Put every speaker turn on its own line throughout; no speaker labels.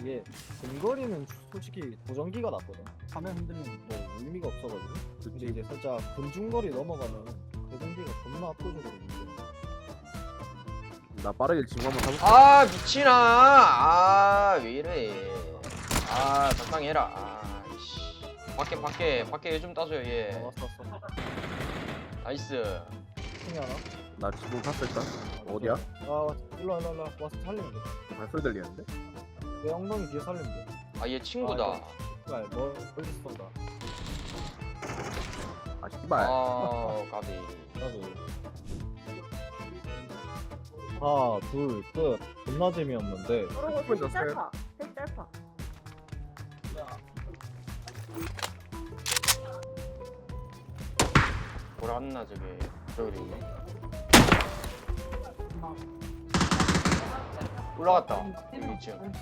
이게 근거리는 솔직히 보정기가 낫거든. 화면 흔들리는 뭐 의미가 없어가지고. 근데 이제 살짝 근중거리 넘어가면 보정기가 존나 압도적으로 문제.
나 빠르게 지금 한번 사볼게.
아 미치나. 아 왜 이래. 아 적당히 해라. 아 씨. 밖에 요즘 따줘요 얘.
왔어.
나이스.
승이 하나.
나 지금 샀을까? 어디야?
아 일로 와서 살리면 돼.
발소리 들리는데?
내 엉덩이 뒤에 살리면 돼.
아 얘 친구다.
아, 멀리 쏜다.
아 씨발.
아 까비.
나도. 하나, 둘, 끝. 존나 재미없는데.
그러고
분
되게
졌어요.
짧아. 되게 짧아.
돌았나 저게. 저기 있네. 올라갔다. 여기 2층.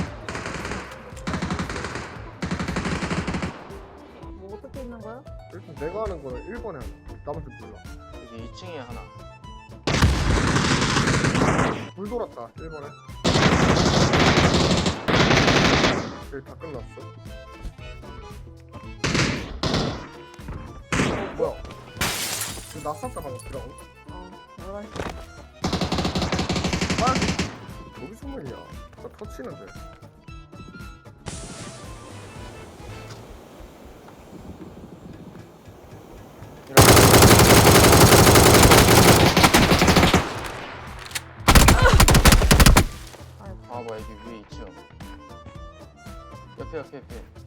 뭐 어떻게 있는 거야?
일단 내가 하는 거는 1번에 하나. 나머지 몰라.
여기 2층에 하나.
불 돌았다. 1번에. 여기 다 끝났어. 뭐야? 지금 나 쐈다 방금 들어가고.
뭐라
아! 여기 소문이야. 나 터치는데.
아 뭐야 여기 위에 2층. 옆에.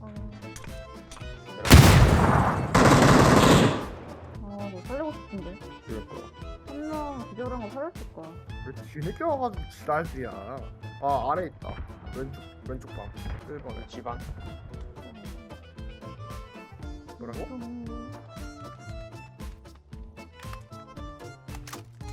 너 살리고 싶은데.
그러니까.
한 명 기절한 거 살렸을 거야.
왜 뒤늦게 와가지고 지랄이야. 아 아래 있다. 왼쪽 방. 1번에.
집안.
뭐라고?